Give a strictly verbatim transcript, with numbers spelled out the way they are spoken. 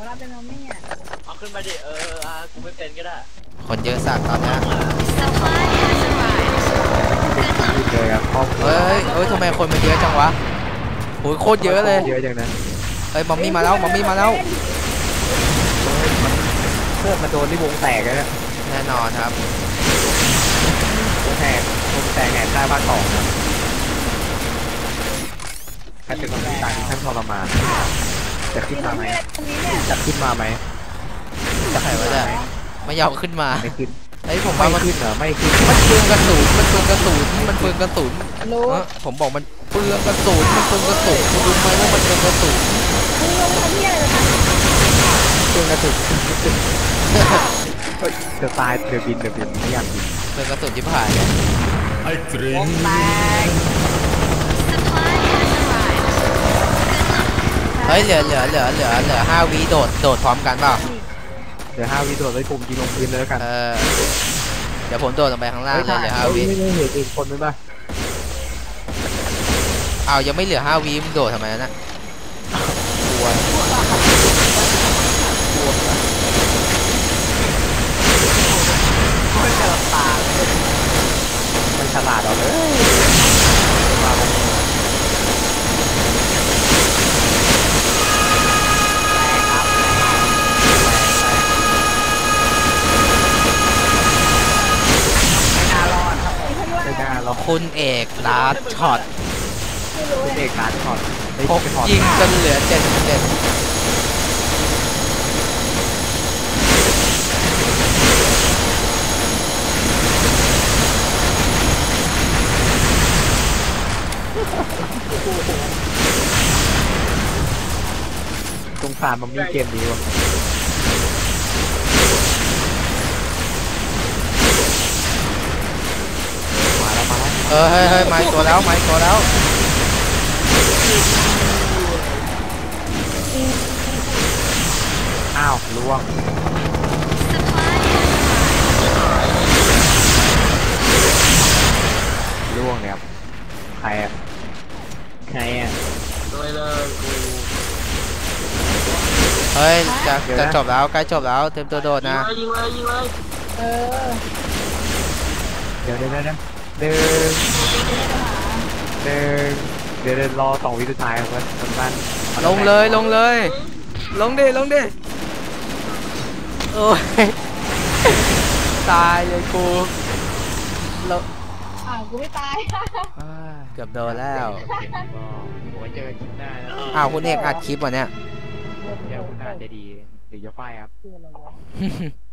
เราเป็นมัมมี่อ่ะเอาขึ้นมาดิเอออ่ะกูไม่เป็นก็ได้คนเยอะสัตว์ตอนนี้เลยครับเฮ้ยเฮ้ยทำไมคนมันเยอะจังวะโอ้ยโคตรเยอะเลยเยอะจังนะเฮ้ยมัมมี่มาแล้วมัมมี่มาแล้วเพื่อนมาโดนที่วงแตกแล้วแน่นอนครับวงแตกวงแตกแหกใต้บ้านสองนะใครเป็นคนที่ต่างท่านทรมานจะขึ้นมาไหมจะขึ้นมาไหมจะใครวะเนี่ยไม่ยอมขึ้นมาไม่ขึ้นไอ้ผมว่ามันขึ้นเหรอไม่ขึ้นมันเปลืองกระสุนมันเปลืองกระสุนมันเปลืองกระสุนผมบอกมันเปลืองกระสุนมันเปลืองกระสุนคุณรู้ไหมว่ามันเปลืองกระสุนเปลืองกระสุนจะตายเดือบินเดือบินไม่อยากบินเปลืองกระสุนที่ผ่านเลยไอ้กรีนเฮ้ยเหลือเหลือเหลือเหลือเหลือห้าวิโดดโดดพร้อมกันเปล่าเหลือห้าวิโดดเลยผมยิงลงพื้นเลยกันเออเดี๋ยวผมโดดลงไปข้างล่างเลยเหลือห้าวิไม่ไม่เห็นอีกคนไหมบ้างอ้าวยังไม่เหลือห้าวิมึงโดดทำไมนะกลัวมันฉลาดเอาเลยคุณเอกลาดช็อตคุณเอกลาดช็อตพกยิงจนเหลือเจ็ดเจ็ดสงสารมันมีเกมนี้วะมาแล้วมาแล้วเออเฮ้ยเฮ้ยมาตัวแล้วมาตัวแล้วอ้าวล่วงล่วงเนี่ยครับใครอ่ะใครอ่ะด้วยเลยกูเฮ้ยจะจะจบแล้วใกล้จบแล้วเต็มตัวโดดนะยิงเลยยิงเลยเออเดี๋ยวเดี๋ยวเดี๋ยวเดินเดินเดี๋ยวเดินรอสองวิสุดท้ายครับมันมันลงเลยลงเลยลงดิลงดิโอ้ยตายเลยกูลงอ้าวกูไม่ตายเกือบโดนแล้วไว้เจอคลิปหน้านะอ้าวคุณเอกอัดคลิปวะเนี่ยเดี๋ยวคุณอาจจะดีหรือจะไฟครับ